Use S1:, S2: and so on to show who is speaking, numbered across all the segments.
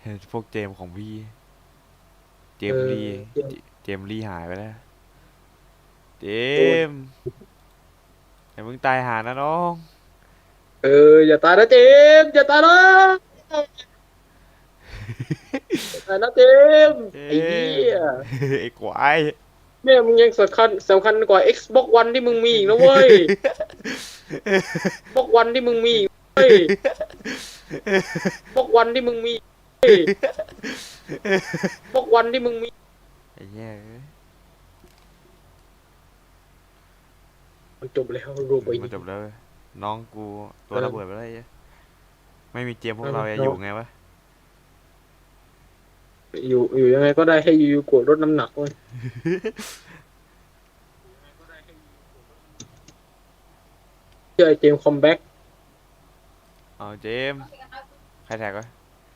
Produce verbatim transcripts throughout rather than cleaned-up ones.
S1: พวกเจมส์ของพี่เจ
S2: เออ
S1: มส์ลี
S2: เดี๋ยว
S1: เจเจมส์ลีหายไปแล้วเจ
S2: โดน
S1: มส์อย่าเพิ่งตายหานะน้อง
S2: เอออย่าตายนะเจมส์อย่าตายนะอย่าตายนะเจมส์
S1: เจ
S2: ไอ้เหี้
S1: มส์
S2: ย
S1: ไอ้ควาย
S2: แม่มึงยังสำคัญสำคัญกว่า Xbox One ที่มึงมีอีกนะเว้ย Xbox One ที่มึงมีอีกเว้ย Xbox One ที่มึงมีเว้ย Xbox One ที่มึงมี
S1: ไอ้เหี้ย
S2: มันจบแล้วรูปไป
S1: มัน
S2: นี้
S1: จบแล้วเว้ยน้องกูตัวระเบิด
S2: เออ
S1: ไปแล้วไอ้เหี้ยไม่มีเจมส์พว
S2: เอา
S1: กเราจะ
S2: เรา
S1: อยู่ไงวะ
S2: อยู่อยู่ยังไงก็ได้ให้ยูยูโกะลดน้ำหนักเว้ยเชื่อไอ้เจมส์คอมแบ็ก
S1: เอาเจมส์ใครแท็กวะ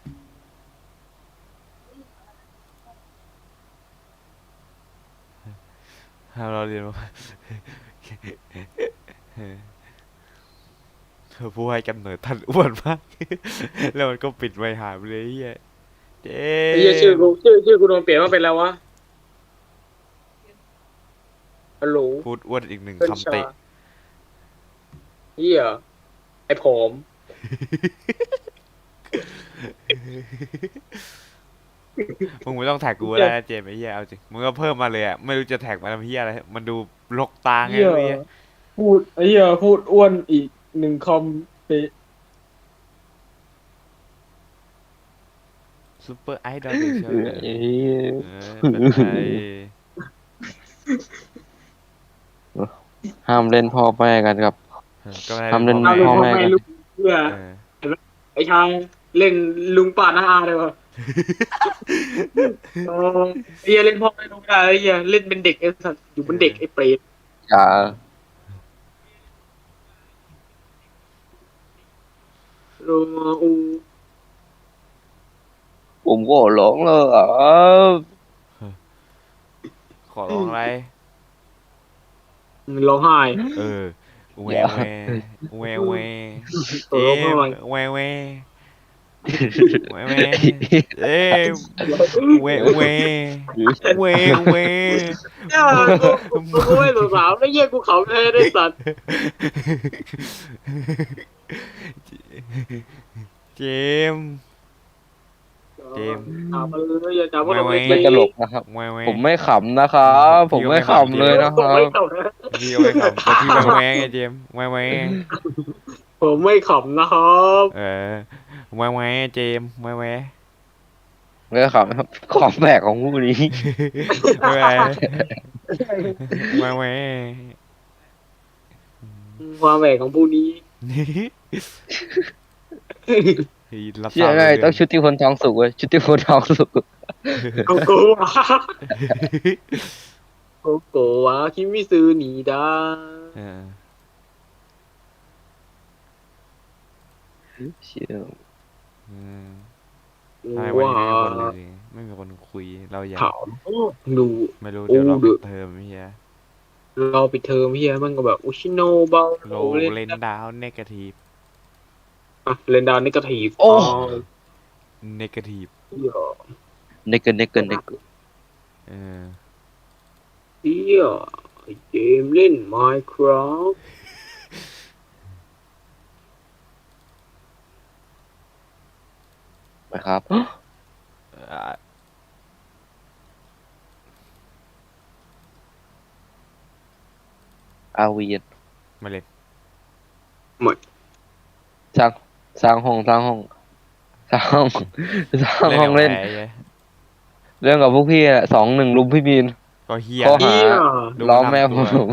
S1: ห้ามเราเรียนว่าผู้ให้กำเนิดท่านอ้วนมากแล้วมันก็ปิดไว้หายไปเลยไอ้เหี้ยเจ
S2: ไอ้เหี้ยชื่อกู
S1: มส์
S2: ชื่อชื่อกูโดนเปลี่ยนมาเป็นแล้ววะฮัลโหล
S1: พูดอ้วนอีกหนึ่ง
S2: เพื่อนชา
S1: คำเตะ
S2: เหี้ยไอ้ผอม
S1: มึงไม่ต้องแท็กกูก็
S2: เหี้ย
S1: ได้นะเจมส์ไอ้เหี้ยเอาจริงมึงก็เพิ่มมาเลยอ่ะไม่รู้จะแท็กมาทำเหี้ยอะไรมันดูรกตาไง
S2: เหี้ย
S1: ไม่รู้เหี้ย
S2: พูดไอ้เหี้ยพูดอ้วนอีกหนึ่งคอมเป
S1: ซูเปอร์ไอดอลเดช
S3: เออ
S1: เลย
S3: ไอ้
S1: เออเป็นไง
S3: ห้ามเล่นพ่อแม่กันครับ
S1: เออก็ไม่ได้
S3: ห้ามเล่น
S1: เป็นพ่อแม่
S3: พ่อแม่กัน
S2: ลูกเพื่อ
S1: เออ
S2: ไอ้ชายเล่นลุงป่าหน้าอาเลยวะเออไอ้เหี้ยเล่นพ่อไม่รู้ไม่ได้ไอ้เหี้ยเล่นเป็นเด็กไอ้สัตว์อยู่เป็นเด็กไอ้เปรต
S3: อย่า
S2: โรมาอู
S3: ผมก็ร้องเลยอ่ะ
S1: ขอร้องอะไร
S2: ร้องไห้
S1: เออแว
S3: อย่า
S1: แวแวแวเจ
S2: ร้องไห้
S1: มส์แวแวแวแวเจมส์แวแวแวแว
S2: เนี่ยกูกูกูไม่สงสารไอ้เหี้ยกูขำแท้ได้สัตว์
S1: เจมส์เจมส์
S2: ถามมาเลยอย่าถาม
S1: แว
S2: ว่าเรา
S1: แว
S2: ไม่
S3: ไม่
S2: ตี
S3: ตลกนะครับ
S1: แวแว
S3: ผมไม่ขำนะครับผมไม่ขำเลยนะค
S2: ผม
S3: รับ
S2: ไม่ขำนะ
S1: พี่ก็ไม่ขำแต่พี่แวแวไงเจมส์แวแว
S2: ผมไม่ขำนะครับ
S1: เออแวแวเจมส์แวแว
S3: ไม่ขำครับของแปลกของผู้นี้
S1: ไม่เป็นไรไม่ไม่
S2: ความแหวกของผู้นี้
S1: รับท
S3: เชื่อไง
S1: ราบเลยเรื่อง
S3: ต้องชุติพลทองสุกเว้ยชุติพลทองสุก
S2: โกโกวะโกโกวะคิมิซึหนีดา
S1: เออ
S3: เชื่อ
S1: อืมทำไมวัน
S2: ว่า
S1: นี้ไม่มีคนเลยไม่มีคนคุยเราอยาก
S2: ถามดู
S1: ไม่รู้
S2: โอ้
S1: เดี๋ยวเรา
S2: ดู
S1: ปิดเทอมเฮีย
S2: เราปิดเทอมเฮียมันก็แบบอุชิโนเบา
S1: โล
S2: เล่น
S1: เลนดาวเนกาทีฟ
S2: อ่ะเล่นดาวนี่ก็ถีบ
S3: โอ้
S2: อ๋อ
S1: เนกาทีฟ
S2: เหี้ย
S3: เนกเกอร์เนกเกอร์เนกเกอร์
S1: เออ
S2: เฮียไอ้เกมเล่น Minecraft
S3: นะครับ
S1: อ่ะ
S3: อาวีน
S1: มาเลย
S2: หมด
S3: สร้างสร้างห้องสร้างห้องสร้างห้องสร้าง
S1: เล่น
S3: ห้อ
S1: กั
S3: ง
S1: บใคร
S3: เล่น
S1: ไง
S3: เรื่องกับพวกพี่อะสองหนึ่งลุมพี่บีน
S1: ก็เฮีย
S3: ข้อ
S2: เฮี
S3: หา
S2: ย
S1: ดู
S3: ล้อแม่ผ
S1: นำตัว
S3: ม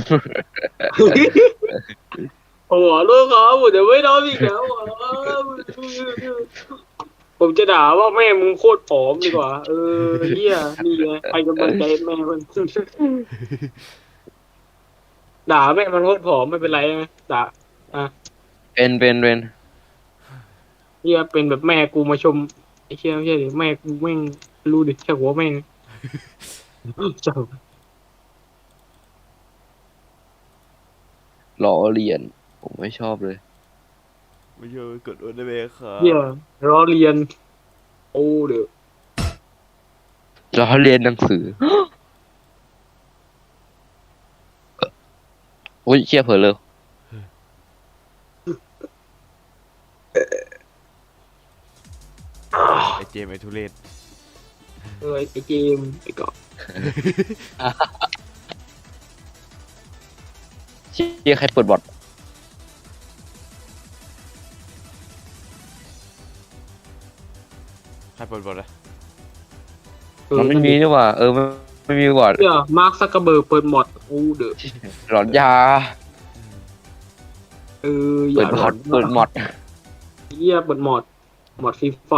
S2: โอ้โหลูกครับผมจะไม่ทำอีกแล้วอ่ะผมจะด่าว่าแม่มึงโคตรผอมดีกว่าเออเฮียนี่ไงใครกำลังใจแม่มันด่าแม่มันโคตรผอมไม่เป็นไรนะด่าอ่ะ
S3: เป็นเป็นเป็น
S2: เฮียเป็นแบบแม่กูมาชมไอ้เชี่ยไม่ใช่ดิแม่กูแม่งรู้ดิช่างหัวแม่งเจ้า
S3: ล้อเลียนผมไม่ชอบเลย
S1: ไม่ใช่กดโอเดเบครั
S2: เฮีย
S1: บ
S2: ล้อเลียนโอ้เด้อ
S3: ล้อเรียนหนังสือ อุ้ยเชี่ยเผลอเลย
S1: ไอเจมส์ไอทุเรศ
S2: เออไอ้เจมส์ไอ้เกาะ
S3: เชี่ยใครเปิดบอท
S1: ใครเปิดบทอะ
S2: เออ
S3: มันไม่มีนี่หว่าเออมันไม่มีบอท
S2: เนี่ยมาร์คซักเกอร์เบิร์กเปิดหมดโอ้เด้อ
S3: หลอนยา
S2: เอออ
S3: เปิ
S2: ย่า
S3: ดบอทเปิดมอด
S2: เหี้ยเปิดหมดหมดฟรีไฟ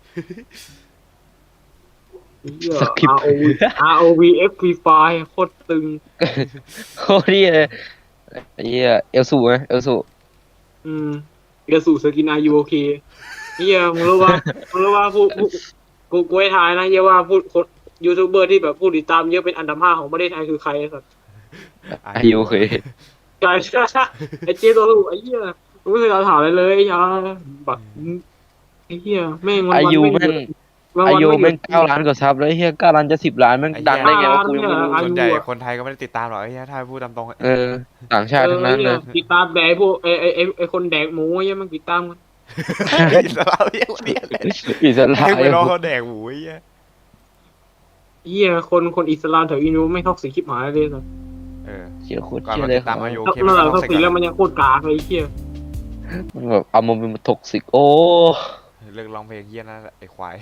S2: เหี้ย
S3: สคริป
S2: R
S3: ต์
S2: O V R O V F ฟรีไฟโคตรตึง
S3: โคตรดีเลยไอ้เหี้ยเอลสูไหมเอลสู
S2: อืมเดี๋ยวสู่สกินอายุโอเคเฮียมึงรู้ว่ามึงรู้ว่าผู้ผู้กูกูให้ทายนะเฮียว่าผู้คนยูทูบเบอร์ที่แบบผู้ติดตามเยอะเป็นอันดับห้าของประเทศไทยคือใครไอ้สัส
S3: อายุโอเค
S2: ใช่ใช่ใช่ไอ้เจตัวลูกไอ้เฮียมึงไม่เคยเอาถามอะไรเลยไอ้ยาบักไอ้เฮียแม่งวัน
S3: อา
S2: วัน
S3: ยุ
S2: ไม่ห
S3: แม่
S2: ยุ
S3: ง
S2: ดวัน
S3: อา
S2: วัน
S3: ยุ
S2: ไม่หยุ
S3: แม่ง
S2: ด
S3: เก้าล้านกว่าซับแล้วไอ้เหี้ยเก้าล้านจะสิบล้านแม่งดังได้ไงวะกูยังไม่รู้
S2: อายุ
S1: ส่วนใหญ่คนไทยก็ไม่ได้ติดตามหรอกไอ้เหี้ยถ้าพูดตามตรงอะ
S3: เออต่างชาติทั้งนั้นเลย
S2: ติดตามแดกพวกไอ้ไอ้ไอ้ไอ้คนแดกหมูไอ้เฮียมันติดตามกัน
S1: อิสลามเหี้ยคนเดียวเลย
S3: อิสระ
S1: ให้ไปรอเขาแดกหมูไอ้เหี้ย
S2: เฮียคนคนอิสลามแถวอินโดไม่ท็อกซิกชิบหายเลยสัส
S1: เออ
S3: เชี่ยโคตร
S1: ก่อน
S3: เชี่ย
S1: มา
S3: เลย
S1: ติดตามอายุ
S2: เมื่อไหร่ท็อกซิกแล้วมันยังโคตรกากเลยไอ้เฮีย
S3: มันแบบเอามาเป็นท็อกซิกโอ้
S1: เลิกร้องเพลงเหี้ยนั่นแหละไอ้ควาย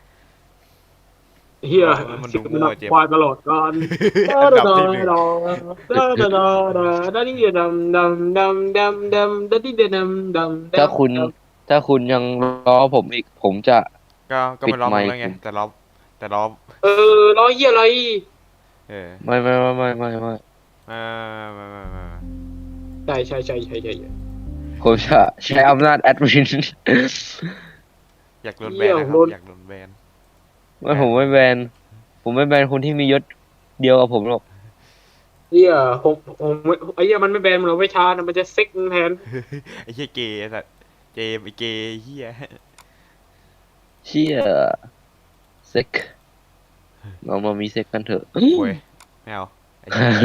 S2: เฮีย
S1: มันดู
S2: สิบ
S1: มั่
S2: นั
S1: ว
S2: บ
S1: เจ็บ
S2: ควายตลอดการ
S1: อันดับที่หนึ่ง
S2: ดาดาดาดาดาดิเดดำดำดำดำดำดาดิเดดำดำ
S3: ถ้าคุณถ้าคุณยังรอผมอีกผมจะ
S1: ก็ก็ไม่ร้อง
S3: ปิดไมค์
S1: แล้วไงแต่ร้องแต่ร้อง
S2: เออร้อยเฮียอะไร
S1: เออ
S3: ไม่ไม่ไม่ไม่ไม่ไม่
S1: เออมามามามา
S2: ใช่ใช่ใช่ใช่ใช่
S3: ผมจะใช้อำนาจแอดมิน
S1: อยากโดนแบนนะครับอยากโดนแบน
S3: ไม่ผมไม่แบนผมไม่แบนคนที่มียศเดียวกับผมหรอก
S2: เฮียผมผมไอ้เฮียมันไม่แบนมันเอาไว้ชาร์จมันจะเซ็กแทน
S1: ไอ้เหี้ยเกย์ไอ้สัสเจมส์ไอ้เกย์เหี้ย
S3: เชี่ยเซ็กเรามามีเซ็กกันเถอะ
S1: โว้ยไม่เอาไอ้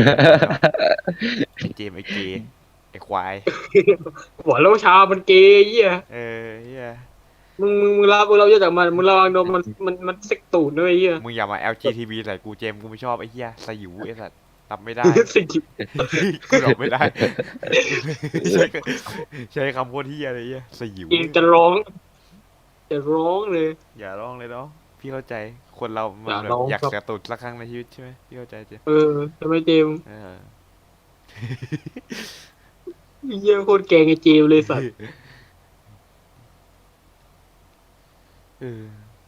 S1: เจมส์ไอ้เกย์ไอ้ควาย
S2: หัวโลชามันเกย์เฮีย
S1: เออเหี้ย
S2: มึงมึงมึงรับมึงรับเยอะจากมันมึงระวังโดนมันมันมันเซ็กตูดด้วยเฮีย
S1: มึงอย่ามา แอล จี ที บี ใส่กูเจมส์กูไม่ชอบไอ้เหี้ยสยิวไอ้สัสรับไม่ได้
S2: สิจิ
S1: กูรับไม่ได้ ใช้ใช้คำพูดเหี้ยอะไรเหี้ยสยิว
S2: เองจะร้อง จะร้องเลย
S1: อย่าร้องเลยเนาะพี่เข้าใจคนเรามัน
S2: อย่า
S1: แบบ
S2: ร้อง
S1: อยาก
S2: ครับ
S1: กระตุดสักครั้งในชีวิตใช่ไหมพี่เข้าใจเจมส์
S2: เออทำไมเจมส์
S1: เออ
S2: เยี่ยโคตรแกงไอ้เจมส์เลยสัตว์
S1: เออ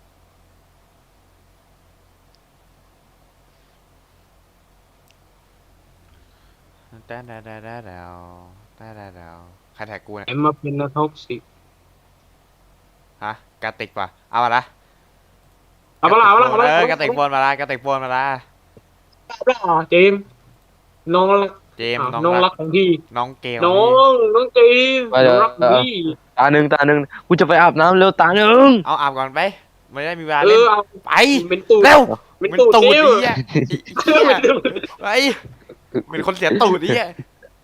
S1: แต่แต่แต่แต่แล้วแต่แต่แล้วใครแท็กกูเนี่ย
S2: ไอ้มาเป็นนักท็อกซิก
S1: ฮะกระติกป่ะเอามาละ
S2: เอาปะล่ะเอาปะล่ะเอาปะ
S1: เอ
S2: ล่ะ
S1: อกระติกโฟนมาละกระติกโฟนมาละ
S2: เอาปะล่ะเจมส์น้องรัก
S1: เจมส์
S2: อ้าว
S1: น้อง
S2: น้อง
S1: รั
S2: รั
S1: ก
S2: กของพี่
S1: น้องเกล
S2: น้องน้องเจมส์น้องรักของพี่
S3: ตาหนึ่งตาหนึ่งกูจะไปอาบน้ำเร็วตาหนึ่ง
S1: เอาอาบก่อนไปไม่ได้มีเวลา
S2: เอ
S1: เล่น
S2: อเอา
S1: ไป
S2: เป็นตูด
S1: เร็ว
S2: เป็น
S1: เป็น
S2: ตูด
S1: ตูด
S2: เจม
S1: ดี
S2: ส์
S1: อ่ะ
S2: เป็นตูด
S1: ไปเป็นคนเสียตูดดีอ่ะ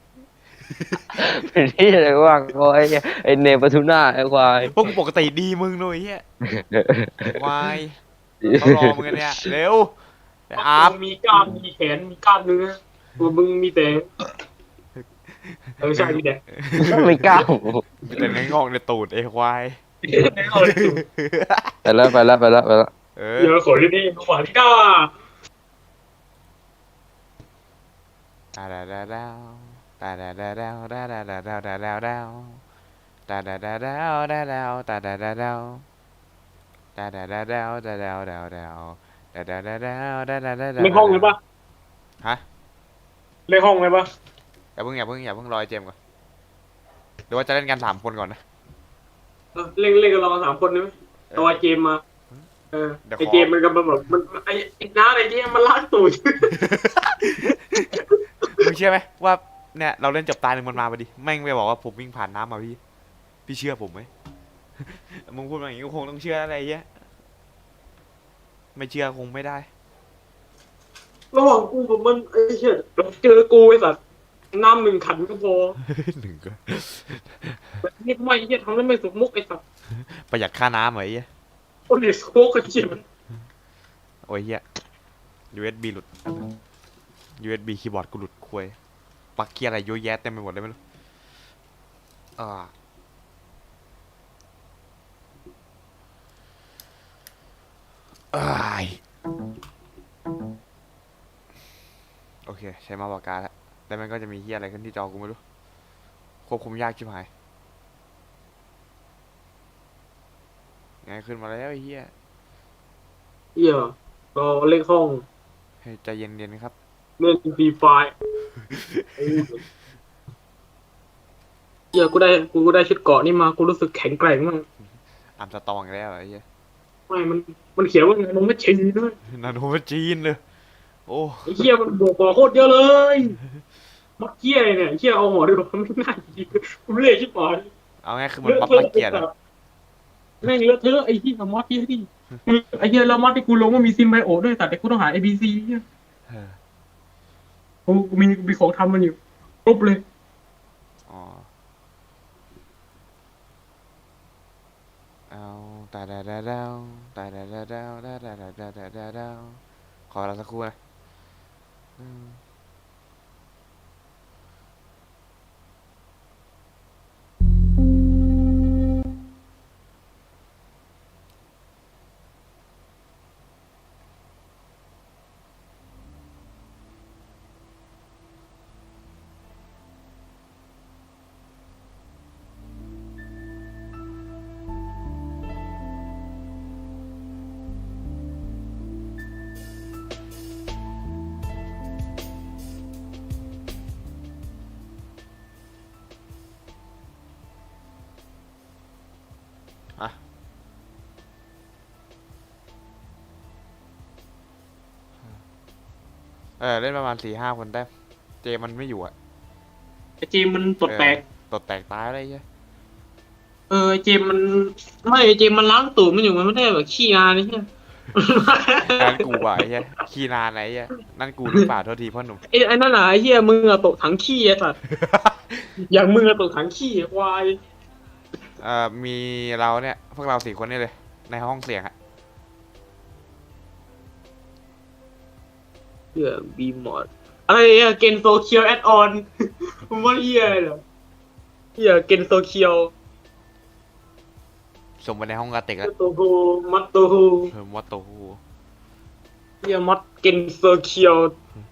S3: เป็นที่อะไรว่างโอ้ยไอเนปทุน่าไอควาย
S1: พวกปกติดีมึงหน่อยเฮียวายเขารอมึงกันเนี่ยเร็วไปอาบ
S2: มีกล้ามมีแขนมีกล้ามเนื้อตัวมึงมีแต่เออใช่มีแต่
S3: ไม่กล้า
S1: มีแต่เนื้องอกในตูดไอ้ควาย
S3: ไปแล้วไปแล้วไปแล้วไปแล้ว
S1: เออ
S2: เดี๋ยวขอที่นี่ขวาที่ก้า
S1: ตาดาดาดาวตาดาดาดาวตาดาดาดาวตาดาดาวตาดาดาดาวตาดาวตาดาดาดาวตาดาดาดาวตาดาวดาวดาวตาดาดาดาวตาดาดาดาว
S2: เลขห้องเลยปะ
S1: ฮะ
S2: เลขห้องเลยปะ
S1: อย่าเพิ่งอย่าเพิ่งอย่าเพิ่งรอไอ้เจมส์ก่อนหรือว่าจะเล่นกันสามคนก่อนนะ
S2: เออเลขเลขกันเราสามคนได้ไหมตัวเจมมาเออ
S1: เดี๋ยวขอ
S2: ไอเจมมันก็แบบมันไอไอ้น้าไอเจมมันลากตูด
S1: มึงเชื่อไหมว่าเนี่ยเราเล่นจบตายหนึ่งมันมาพอดีแม่งไปบอกว่าผมวิ่งผ่านน้ำมาพี่พี่เชื่อผมไหม มึงพูดมาอย่างนี้ก็คงต้องเชื่ออะไรเงี้ยไม่เชื่อคงไม่ได้
S2: ระหว่างกูกับมันไอ้เหี้ยเจอกูไอ้สัตว์น้ำหนึ่งขันก็พอ
S1: หนึ่งก็
S2: นี่ไม่ไอ้เหี้ยทำแล้วไม่สมมุกไอ้สัตว์
S1: ประหยัดค่าน้ำเหรอไอ้เหี้ย
S2: โอ้ยโซกไอ้เหี้ยมัน
S1: โอ้ยเหี้ย ยู เอส บี หลุด ยู เอส บี คีย์บอร์ดกูหลุดควยปลั๊กเกียร์อะไรเยอะแยะเต็มไปหมดเลยไม่รู้อ่าอ้ายโอเค ใช้มาปากกาแล้วแล้วมันก็จะมีเฮียอะไรขึ้นที่จอกูไม่รู้ ควบคุมยากชิบหายไงขึ้นมาแล้วไอ้เฮีย
S2: เหี้ยก็เล่นห้อง
S1: เฮ้ยใจเย็นๆครับ
S2: เล่นฟรีไฟร์เหี้ยกูได้กูได้ชุดเกราะนี่มากูรู้สึกแข็งแกร่งมาก
S1: อัมสตองอีกแล้วเหรอไอ้เฮีย
S2: ไม่มันมันเขียนว่าไงมันไม่ชีด้วย
S1: นาโนจีนเลย โอ้
S2: ไอ้เหี้ยมันบวกบอโคตรเยอะเลยมัดเหี้ยเนี่ยไอ้เหี้ยเอาหมอดีกว่ามันไม่น่าจริงกูเล่ชิบหาย
S1: เอาง่ายคือมันปรับปลั๊กเกียร์นะ
S2: แม่งเลอะเทอะไอ้เหี้ยมัดเหี้ยดิไอ้เหี้ยแล้วมัดที่กูลงว่ามีซิมไบโอด้วยแต่กูต้องหา เอ บี ซี เนี่ย
S1: เออ
S2: กูมีมีของทำมันอยู่ครบเลย
S1: อ๋อ เอาตาดาดาดาวตาดาดาดาวตาดาดาดาดาดาดาวขอเราสักครู่นะอืมอ่ะเออเล่นประมาณสี่ห้าคนได้ เจมันไม่อยู่อ่ะ
S2: ไอ้เจมมันตดแตก
S1: เออตดแตกตายอะไรเงี้ย
S2: เออไอ้เจมมันไม่ไอ้เจมมันล้างตูดมันอยู่มันไม่ได้แบบขี้นานี่ใช่
S1: นั่นกูว่ะไอ้เหี้ยขี้นานไหนไอ้เหี้ยนั่นกูหรือเปล่าโทษทีพ่อหนุ่ม
S2: ไอ้ไอ้นั่นน่ะไอ้เหี้ยมึงอะตกถังขี้ไอ้สัตว์ อย่างมึงอะตกถังขี้ไอ้ควาย
S1: เอ่อมีเราเนี่ยพวกเราสี่คนนี่เลย ในห้องเสียงอะ
S2: เหี้ยบีมอดอะไรอะเกนโซเคียวแอดออน มึงว่าเหี้ยอะไรเหรอเหี้ยเกนโซเคียว
S1: ส่งไปในห้องกาเต็กแล้ว
S2: โตโฮมัตโตโฮ
S1: เออมอตโตฮู
S2: เหี้ยมัดเกนโซเคียว